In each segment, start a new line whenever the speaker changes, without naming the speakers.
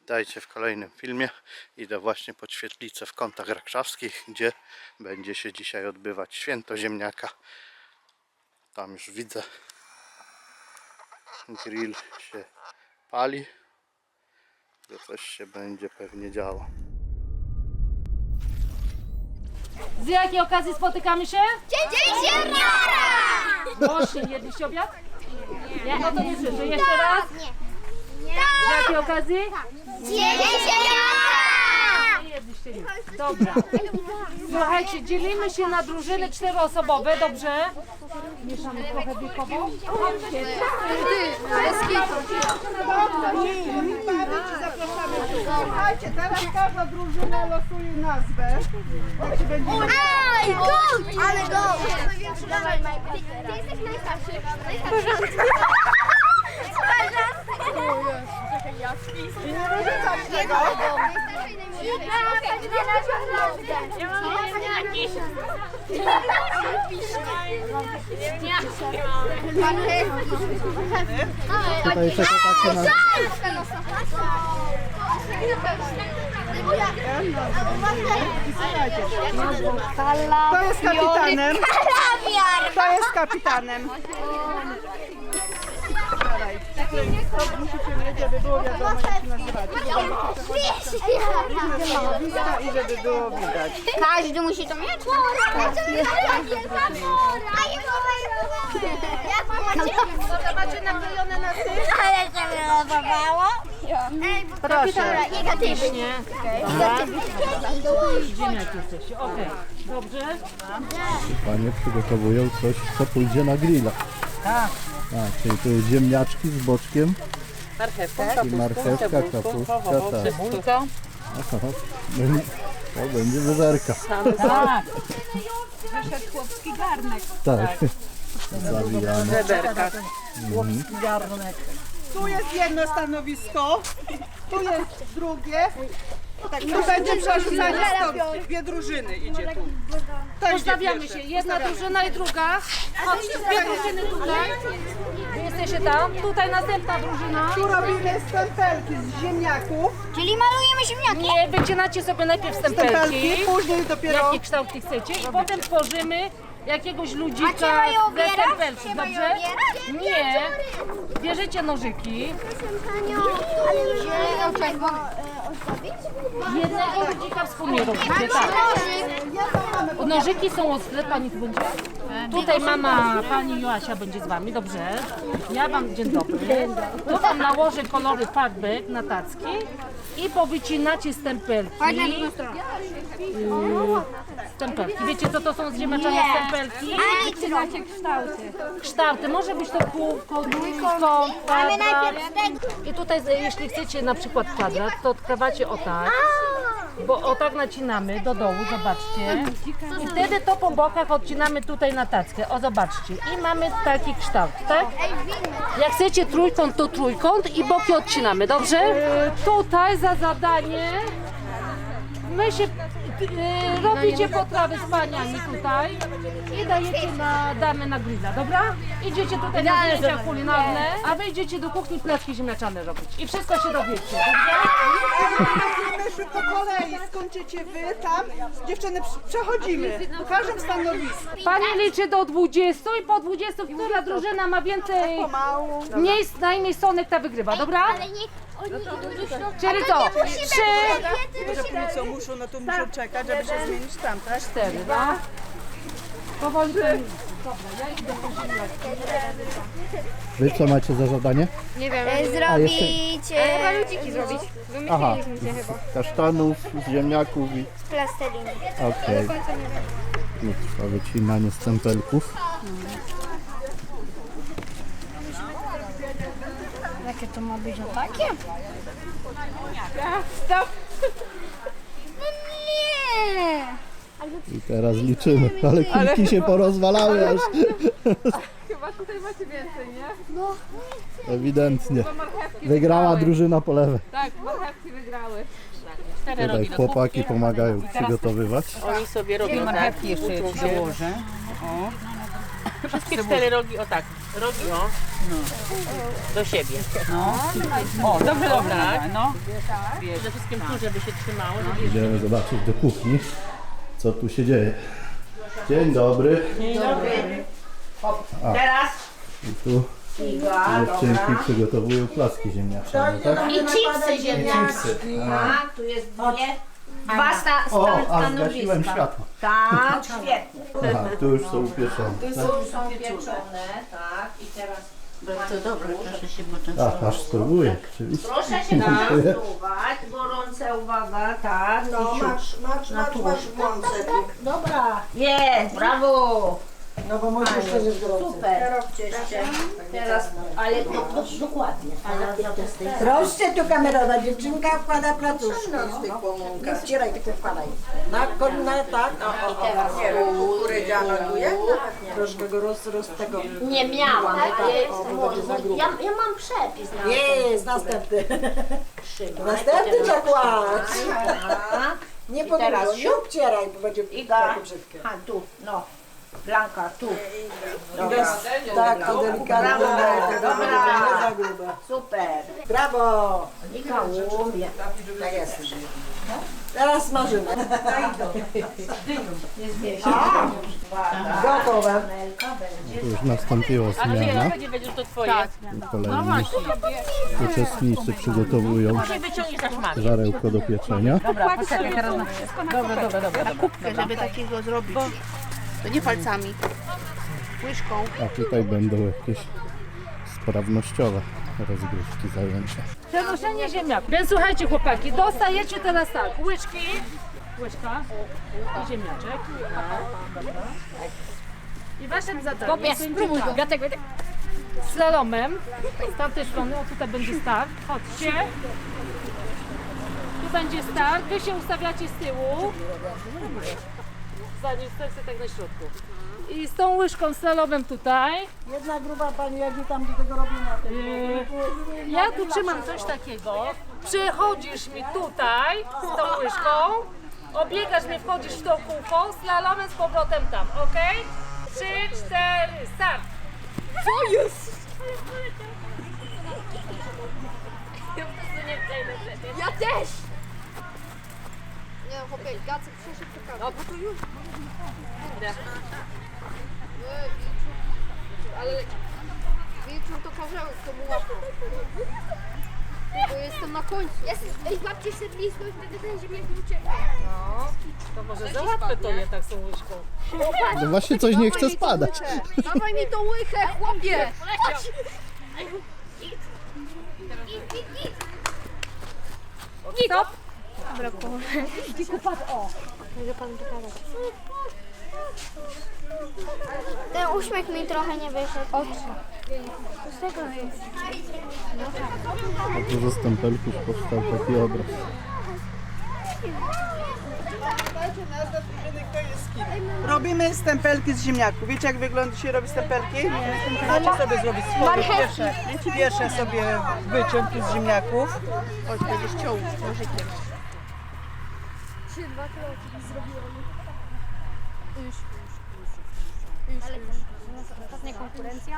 Witajcie w kolejnym filmie. Idę właśnie pod świetlicę w Kątach Rakrzawskich, gdzie będzie się dzisiaj odbywać święto ziemniaka. Tam już widzę, grill się pali, że coś się będzie pewnie działo.
Z jakiej okazji spotykamy się?
Dzień ziemniaka!
Właśnie, jedliście obiad? Nie. No to nie słyszę. Jeszcze raz? Z jakiej okazji?
Dzień ziemniaka!
Nie jedliście nic. Dobra. Słuchajcie, dzielimy się na drużyny 4-osobowe, dobrze? Mieszamy trochę wiekowo.
Słuchajcie, teraz każda drużyna losuje nazwę. Jak się będzie...
Aj, go! Ale go! Dawaj, Majka. Ty jesteś najstarszy.
I nie wyrzucać tego.
Tutaj jeszcze takie na...
Słuchajcie, kto jest kapitanem? Kto jest kapitanem? To musicie wiedzieć, żeby było wiadomo, jak się nazywacie. Stanowiska i żeby było widać.
Każdy musi to mieć?
Może macie naklejone na tym?
Ale się wylosowało?
Proszę.
Negatywnie.
Ziemniaki jesteście. Okej. Dobrze?
Panie przygotowują coś, co pójdzie na grilla.
Tak.
A, czyli tu ziemniaczki z boczkiem
Marchewka,
i marchewka, kapuszka, tak.
cebulka.
Aha, to będzie wyżerka.
Tak. Wyszedł chłopski garnek.
Tak. Zawijane.
Żeberka. Chłopski garnek. Tu jest jedno stanowisko, tu jest drugie. Tak, tu będzie przerzucanie stopki. Dwie drużyny idzie tu. To idzie
Postawiamy
pierwsze.
się. Jedna drużyna i druga. Chodźcie, dwie drużyny tutaj. Wy jesteście tam. Tutaj następna drużyna.
Tu robimy stempelki z ziemniaków.
Czyli malujemy ziemniaki?
Nie, wycinacie sobie najpierw
Stempelki,
stempelki.
później dopiero...
Jaki kształt ty chcecie i potem tworzymy jakiegoś
A
ludzika
trzeba je
ze
ubierać?
stempelki,
Trzeba je
dobrze?
ubierać?
Nie. Bierzecie nożyki. Jednego ludzika wspólnie robicie, tak. Nożyki są ostre, pani tu będzie? Tutaj mama, pani Joasia będzie z wami, dobrze? Ja wam, dzień dobry. Tu wam nałożę kolory farbek na tacki i powycinacie stempelki. Stempelki. Wiecie co to są zziemniaczane stempelki?
A wycinacie kształty.
Kształty. Może być to kółko, trójkąt,
Ale
kwadrat.
najpierw tego.
I tutaj, jeśli chcecie na przykład kwadrat, to odkrawacie o tak. Bo o tak nacinamy do dołu, zobaczcie. I wtedy to po bokach odcinamy tutaj na tackę. O, zobaczcie. I mamy taki kształt, tak? Jak chcecie trójkąt, to trójkąt i boki odcinamy, dobrze? Tutaj za zadanie my się robicie potrawy z paniami tutaj i damy na grilla, dobra? Idziecie tutaj na zajęcia kulinarne, a wy idziecie do kuchni placki ziemniaczane robić. I wszystko się dowiecie, dobrze?
Myśmy po kolei, skończycie wy tam, dziewczyny przechodzimy po każdym stanowisku.
Pani liczy do 20 i po 20, która drużyna ma więcej
Pomału.
najmniej sonek, ta wygrywa, dobra?
Ale niech oni idą do środka.
Czyli co? 3,
Co muszą, no to muszą czekać, żeby się zmienić tam, tak?
4, no. Powoli to
Wy co macie za zadanie?
Zrobić
Ludziki zrobić.
Aha,
Wymyśliliśmy się chyba.
z kasztanów, z ziemniaków i...
plasteliny.
Okej. No, trwa wycinanie stempelków.
Jakie to ma być o takie? No nie!
I teraz liczymy, ale kulki się porozwalały aż.
Chyba tutaj macie więcej, nie?
Ewidentnie. Wygrała drużyna po lewej.
Tak, marchewki wygrały.
Tutaj chłopaki pomagają przygotowywać.
Oni sobie robią marchewki jeszcze dołożę.
Wszystkie 4 rogi, o tak, rogi o, do siebie.
No. O, dobrze, dobrze, no.
Przede wszystkim tu, żeby się trzymało.
Idziemy zobaczyć do kuchni, co tu się dzieje. Dzień dobry.
Dzień dobry.
Teraz. I tu dziewczynki przygotowują placki ziemniaczane, tak?
I chipsy ziemniaczane.
Chipsy.
Tak, tu jest dwa
O, a zgasiłem światło.
Tak, świetnie.
Aha, tu już są upieczone.
Tu są pieczone, tak. I teraz
Bardzo dobre, proszę się poczęstować.
A, aż spróbuję, oczywiście.
proszę się nastuwać. Gorące, uwaga, tak. No, masz włączę. Dobra. Jest, brawo.
No bo może jeszcze jest gorące.
Super. Teraz, ale dokładnie.
Proszę tu kamerowa, dziewczynka wkłada placuszki z tych pomąkach. Ścieraj, tylko wkładaj. Na kolana, tak.
I teraz
Kukurydziana tu jest? Troszkę go roz tego.
nie miałam.
za
Ja mam przepis na
Jest, następny. Następny trzeba kłaść. Nie
teraz
podróż, nie obcieraj, bo będzie
Iga.
takie brzydkie.
A tu, no. Blanka, tu.
Tak, to delikatnie.
Dobra.
Nie za grube.
Super.
Brawo.
Nika umie.
Tak jest. Teraz smażymy. Gotowe.
Tu już nastąpiła zmiana.
Nie będziesz to twoje.
Kolejni uczestnicy przygotowują
Może wyciągniesz aż masz.
żarełko do pieczenia.
Dobra, poczekaj teraz.
Żeby takiego zrobić. To nie palcami. Łyżką.
A tutaj będą jakieś sprawnościowe rozgrywki zajęcia.
Przenoszenie ziemniaków. Więc słuchajcie chłopaki, dostajecie teraz tak, łyżki, łyżka i ziemniaczek. I waszym zadaniem będzie tak. Slalomem z tamtej strony, o tutaj będzie start, chodźcie. Tu będzie start, wy się ustawiacie z tyłu. Zanim stoicie tak na środku. I z tą łyżką slalomem tutaj.
Jedna gruba pani, jak mi tam do tego robimy.
Ja tu trzymam coś takiego. Przychodzisz mi tutaj z tą łyżką, obiegasz mnie, wchodzisz w to kółko, slalomem z powrotem tam, ok? 3, 4, start! Co jest?
Ja też! Nie, chłopie, Gacek przeszedł to kamerę. No, bo to już. Ale wieczór to karzełek, to mu łapał. Bo jestem na końcu. Ej, złapcie się blisko i wtedy ten ziemniak nie ucieka.
No, to może załatwę to je tak z tą łyżką.
No właśnie coś nie chce spadać.
Dawaj mi tą łychę, chłopie!
Stop!
Ten uśmiech mi trochę nie wyszedł. Oczy.
A tu ze stempelków powstał taki obraz.
Robimy stempelki z ziemniaków. Wiecie jak wygląda się robi stempelki? Możecie sobie zrobić swoje pierwsze sobie wyciąg tu z ziemniaków.
Chodź, będziesz ciął nożykiem.
Ostatnia konkurencja.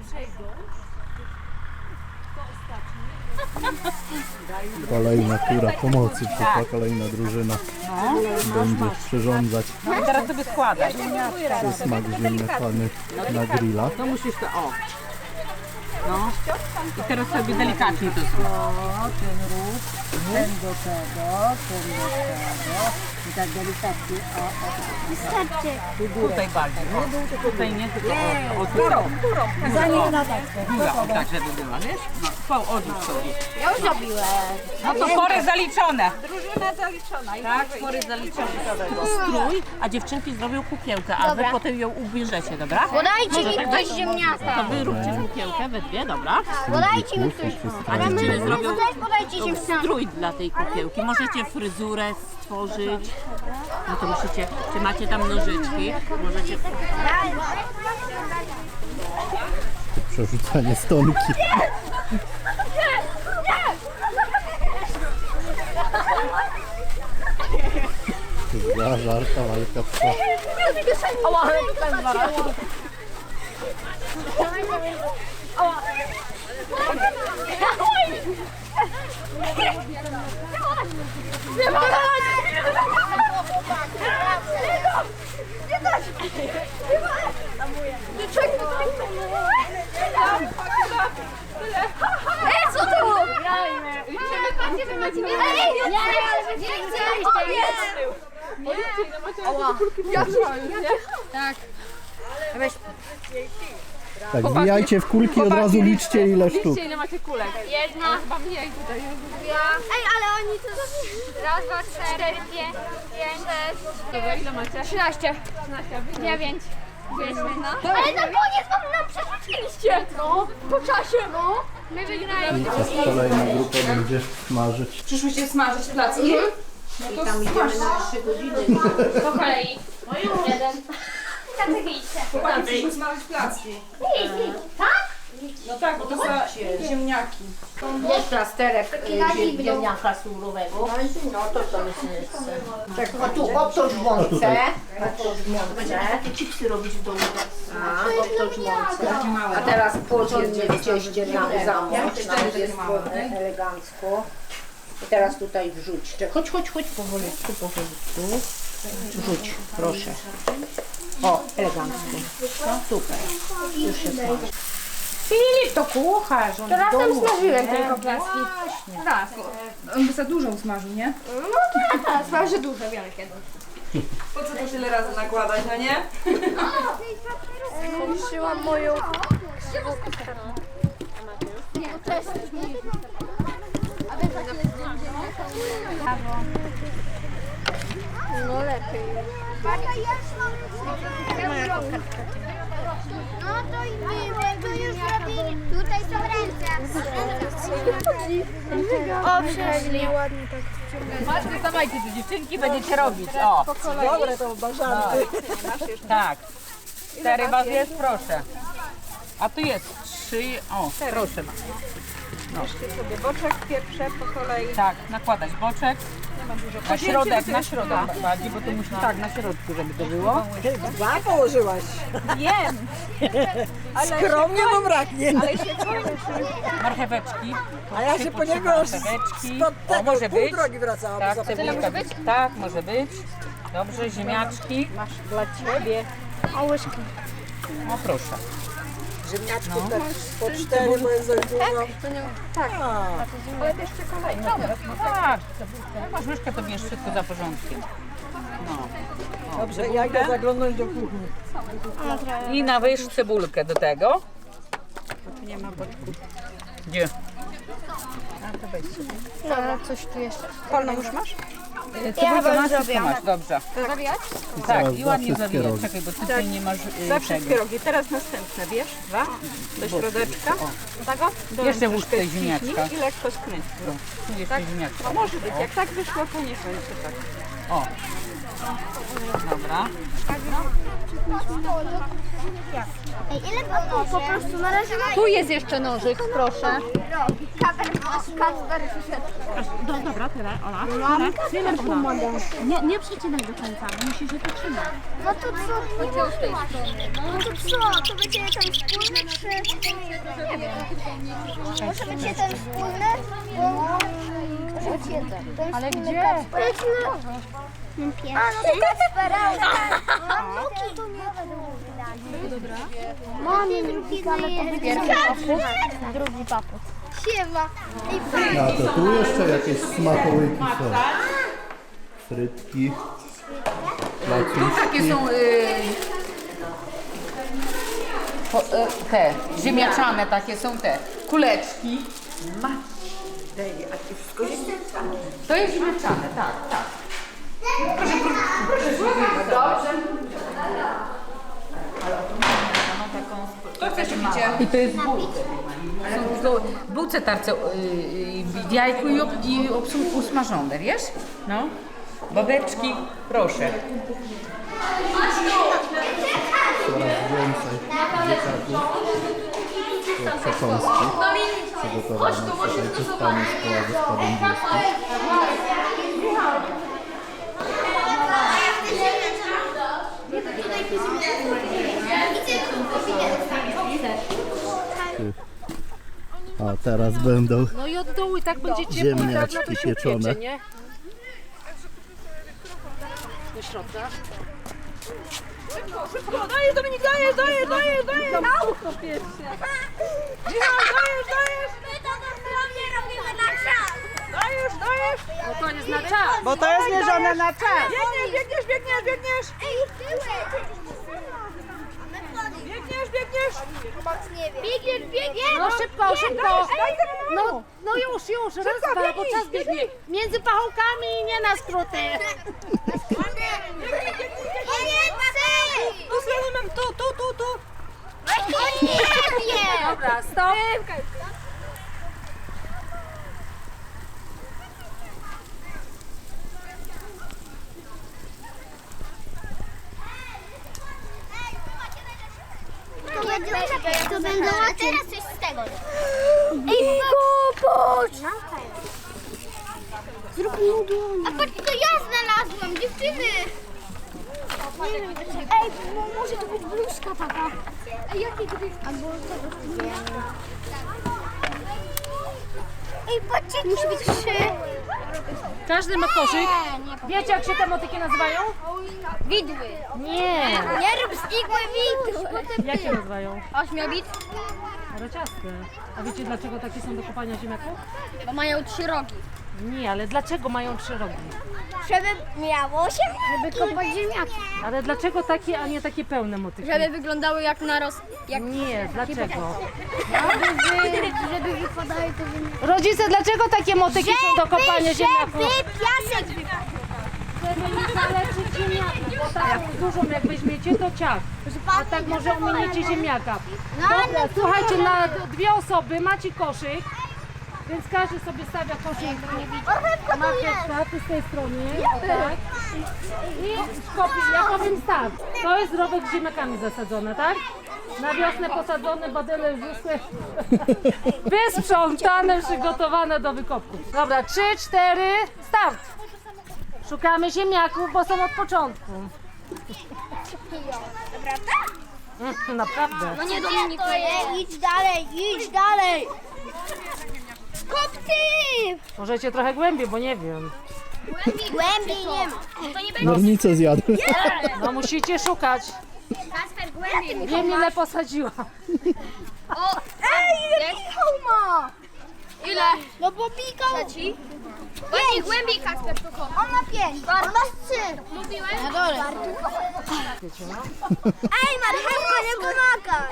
Kolejna tura pomocy, przyszła kolejna drużyna. Będzie przyrządzać
I teraz sobie składać.
przysmak ziemniaczany na grilla.
No musisz to, o. No. I teraz sobie delikatnie to zrób.
Ten róg, ten do tego, ten do tego. I tak delikatnie.
Wystarczy.
Tutaj bardziej. O. Tutaj nie, tylko o, górą.
Zanim na tackę.
Góra, o tak, żeby była, wiesz? No, odłóż sobie.
Ja już zrobiłem.
No to pory zaliczone. Drużyna zaliczona. Tak, pory zaliczone.
Strój, a dziewczynki zrobią kukiełkę, a wy potem ją ubierzecie, dobra?
Podajcie mi ktoś ziemniaka.
To wy róbcie kukiełkę we dwie, dobra?
Podajcie mi ktoś.
A dziewczyny zrobią
Podajcie ziemniaka.
strój dla tej kukiełki. Możecie fryzurę stworzyć. No to musicie, czy macie tam nożyczki? Możecie...
Przerzucanie stonki. Za żarta walka trwa.
Co to? Patrzcie, że macie więcej.
Tak, wbijajcie w kulki, od razu liczcie ile sztuk.
Ile macie kulek?
Jedna.
Chyba mniej tutaj.
Ej, ale oni to raz, dwa, 4, 5, 6.
Dobra, ile macie?
13. 9. Ale na koniec nam przerzuciliście! No, po czasie, no. My wygraliśmy.
Teraz kolejna grupa będzie smażyć.
Przyszłyście smażyć placki?
I tam idziemy na 3 godziny.
Po kolei. Jeden. Tak, idźcie.
Chłopaki przyszły smażyć placki.
Tak?
No tak, bo to są ziemniaki.
Jest plasterek ziemniaka surowego. No to jest miejsce. Tak, o tu, obtoż w mące. Obtoż w mące. Takie chipsy robić w domu. A, obtoż w mące. A teraz porządnie w cieście na zamocz. Nam jest elegancko. I teraz tutaj wrzuć. Chodź powolutku. Wrzuć, proszę. O, elegancko. No, super. Już się smaży. Filip, to kucharz. On
Teraz
w domu.
tam smażyłem tylko placki.
Tak, on by za dużo usmażył, nie?
No tak, smaży dużo, wielkie.
Po co to tyle razy nakładać, no nie?
Zmniejszyłam moją... No lepiej. No to i my już zrobili. Tutaj są ręce. O, przeszli. Ładnie tak.
Macie, dawajcie tu dziewczynki, będziecie robić. O,
Dobre to bażanty.
tak. 4 was jest, proszę. A tu jest 3, o, proszę.
Sobie boczek pierwsze po kolei.
Tak, nakładać boczek. Na środek bardziej, bo to musi tak na środku, żeby to było.
Dwa położyłaś.
Wiem!
Skromnie to braknie.
Marcheweczki.
A ja się po niego
Marcheweczki.
spod
O,
tego
może
pół
być.
drogi wracałam.
Tak,
za
cebulka. Tak, może być. Dobrze, ziemniaczki.
Masz dla ciebie.
O, łyżki.
O, proszę.
Ziemniaczków tak po 4, bo jest za dużo.
Tak.
Tak, jak masz łyżkę, to bierz wszystko za porządkiem.
Dobrze, ja idę zaglądnąć do kuchni.
I nawyż cebulkę do tego. Nie ma boczku. Gdzie?
No, coś tu jeszcze.
Polną już masz?
Cebulkę masz, wszystko masz, dobrze.
Zabijać?
Tak, i ładnie zawijać. Czekaj, bo ty tutaj nie masz
Za wszystkie
tego.
rogi. Teraz następne, wiesz? Dwa. Do środeczka.
Jeszcze włóż tutaj ziemniaczka.
I lekko skręć.
Tu jeszcze ziemniaczka.
Może być. Jak tak wyszło, to niech będzie tak.
O. Dobra.
Ej, ile było? Po prostu na razie...
Tu jest jeszcze nożyk, proszę.
Kacper przyszedł.
Dobra, tyle, Ola. Nie przycinaj do końca, bo musisz je potrzymać.
No to co? Nie było z tej strony. No to co? To będzie ten wspólny, czy... Nie wiem. Może będzie ten wspólny? Ale gdzie? A, no to Kacpera. No to nie będę. Mamy drugi, ale to będzie drugi paput. Siema.
A to tu jeszcze jakieś smakołyki są. Frytki.
Takie są te ziemniaczane, takie są te kuleczki. To jest ziemniaczane, tak, tak.
To co jeszcze picie?
I to jest w bułce. W bułce tarce w jajku i usmażone, wiesz? No. Babeczki, proszę.
Coraz więcej dzieciaków. To przekąski przygotowane. Słuchajcie, z Pani Szkoła Gospodyń Wiejskich. teraz będą.
No i od dołu i tak będzie ciepło i tak, no to
Ziemniaczki
się
pieczone.
upiecze, nie? Do środka.
Dajesz, Dominik, dajesz! Na ucho pierwsze. Michał, dajesz!
My to dosłownie robimy na czas.
Dajesz!
No to jest na czas.
Bo to jest mierzone na czas. Biegniesz!
Ej, tyłek.
Biegniesz!
Biegniesz.
No szybko. No już, raz, dwa, bo czas biegnie. Między pachołkami i nie na skróty.
Tu stronę mam, tu!
Dobra, stop.
To będą a teraz coś z tego. Ej, popatrz! Zrób mu a patrz, to ja znalazłam, dziewczyny! Ej, może to być bluzka taka. Ej, jakie to jest? Albo tego nie. Ej, patrzcie, musi być 3.
Każdy ma koszyk. Wiecie, jak się te motyki nazywają?
Widły.
Nie.
Nie rób z igły widły.
Jak się nazywają?
Ośmiobit,
Rociaste. A wiecie, dlaczego takie są do kopania ziemniaków?
bo mają 3 rogi.
Nie, ale dlaczego mają 3 rogi?
Żeby miało się, żeby kopać ziemniaki.
Ale dlaczego takie, a nie takie pełne motyki?
Żeby wyglądały jak narost. Jak
Nie, dlaczego?
żeby wypadały te ziemniaki.
Rodzice, dlaczego takie motyki są do kopania ziemniaków?
piasek
Żeby nie zaleczyć ziemniaków, bo tak dużą jak weźmiecie, to ciach. A tak może ominiecie ziemniaka. Dobra, słuchajcie, na 2 osoby macie koszyk, więc każdy sobie stawia koszyk. Marchewka, ty z tej strony, o tak. I kopi, ja powiem tak, to jest rowek z ziemniakami zasadzone, tak? Na wiosnę posadzone, badyle już wyschły. Wysprzątane, przygotowane do wykopku. Dobra, 3, 4, start! Szukamy ziemniaków, bo są od początku. Naprawdę?
No nie Dominik, idź dalej. Kop ty!
Możecie trochę głębiej, bo nie wiem.
Głębiej nie ma. To nie będzie
Nornicę zjadł.
No musicie szukać.
Kasper głębiej.
Wiem ile posadziła.
Ej, Michał ma! Ile? No bo Michał... Głębiej Kasper to kop. On ma 5, on ma 3. Mówiłem? Na dole. Ej, marchewka nie pomaga.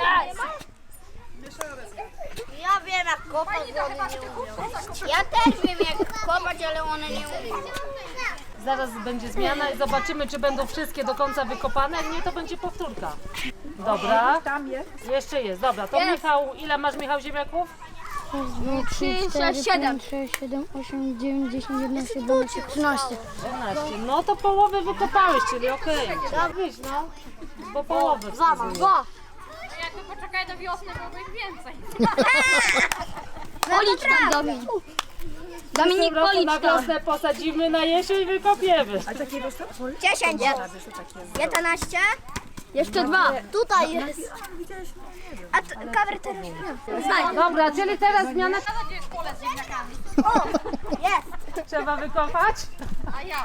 Ja wiem jak kopać, ale one nie umieją. Ja też wiem jak kopać, ale one nie umieją.
Zaraz będzie zmiana i zobaczymy, czy będą wszystkie do końca wykopane. Jak nie, to będzie powtórka. Dobra.
Tam jest.
Jeszcze jest. Dobra, to Michał, ile masz Michał ziemniaków?
3, 6, 7.
6, 7, 8, 9, 10, 11, 12, 13.
13. No to połowę wykopałeś, czyli okej. Trzeba wyjść, no. Po połowę.
Jakby poczekaj do wiosny, byłoby ich więcej.
Policz tam Dominik. Dominik,
Po prostu
policz
na
tam.
wiosnę posadzimy, na jesień wykopiemy.
10. 11. Jeszcze 2. Tutaj jest. A kamer teraz
Dobra, czyli teraz zmiana.
Gdzie jest pole z ziemniakami?
O, jest.
Trzeba wykopać.
A ja.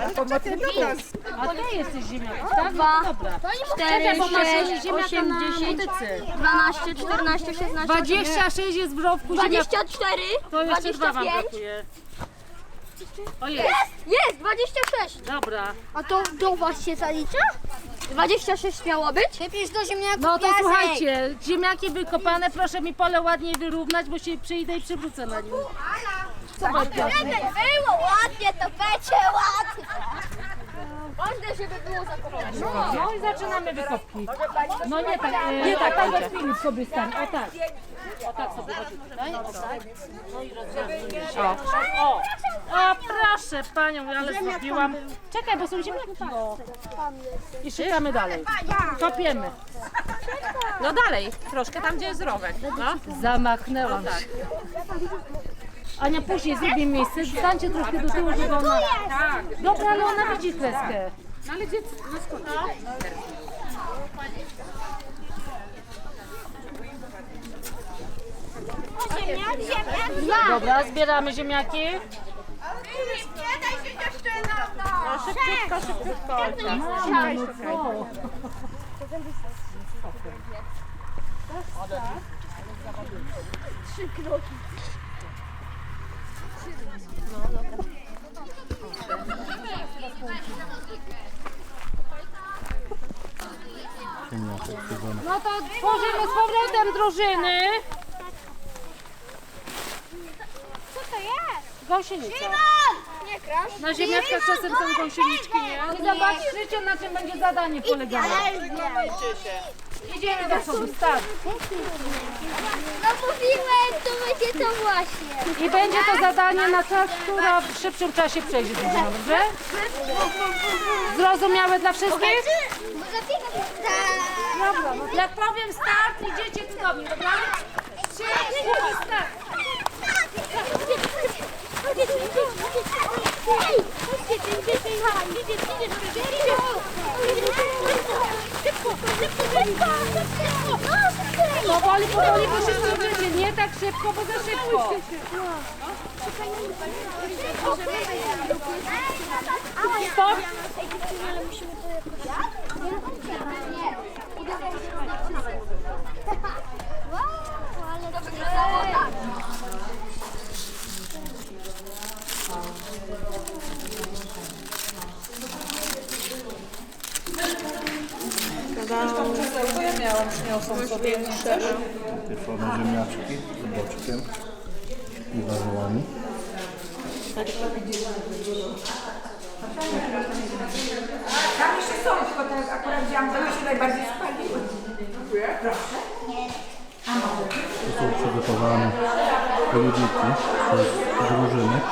A ty jesteś ziemniaków, tak? No to dobra.
4,
Bo masz
6,
ziemniaka
8,
na
10,
motyce.
12, 14, 16,
26 jest w rowku ziemniaków.
24,
To jeszcze 2 wam
25.
brakuje. O jest.
Jest, 26.
Dobra.
A to do was się zalicza? 26 miało być? Wypisz do ziemniaków
No to słuchajcie, ziemniaki wykopane, proszę mi pole ładniej wyrównać, bo się przyjdę i przywrócę na nim. Zobacz, Piotr.
Było ładnie, to będzie ładnie. Ważne, żeby było zakopane.
No i zaczynamy wykopki. No nie tak, nie tak, tak Filip sobie stań, o tak. O tak sobie chodzi tutaj, o tak. No i rozwiązujemy się. O, proszę panią, ale zrobiłam. Czekaj, bo są ziemniaki. O. I szukamy dalej. Kopiemy.
No dalej, troszkę tam, gdzie jest rowek. No.
Zamachnęłam się. Ania, później zrobię miejsce, stańcie troszkę do tyłu, żeby ona... Dobra, ale ona widzi kreskę.
No ale gdzie? No skąd?
Dwa.
Dobra, zbieramy ziemniaki.
Nie daj się dziewczyna!
Szybciutko, szybciutko.
Ziemniaczek siedzony.
No to tworzymy z powrotem drużyny.
Co to jest?
Gąsienica.
Nie krasz.
Na ziemniaczkach czasem są gąsieniczki, nie? I zobaczycie, na czym będzie zadanie polegało. Idziemy do przodu, start.
No mówiłem, to będzie to właśnie.
I będzie to zadanie na czas, która w szybszym czasie przejdzie drużyna, dobrze? Zrozumiałe dla wszystkich? Dobra, no jak powiem start, idziecie tu do mnie, dobra? 3, 4, start. Powoli, powoli, bo się zdążycie. Nie tak szybko, bo za szybko. Stop.
Ale to wyglądało tak.
To ja miałam, przyniosą sobie jeszcze.
Pieczone ziemniaczki z boczkiem i warzywami.
Tam jeszcze są, tylko teraz akurat wziąłam, to się najbardziej spaliły.
Tu są przygotowane ludziki przez drużyny.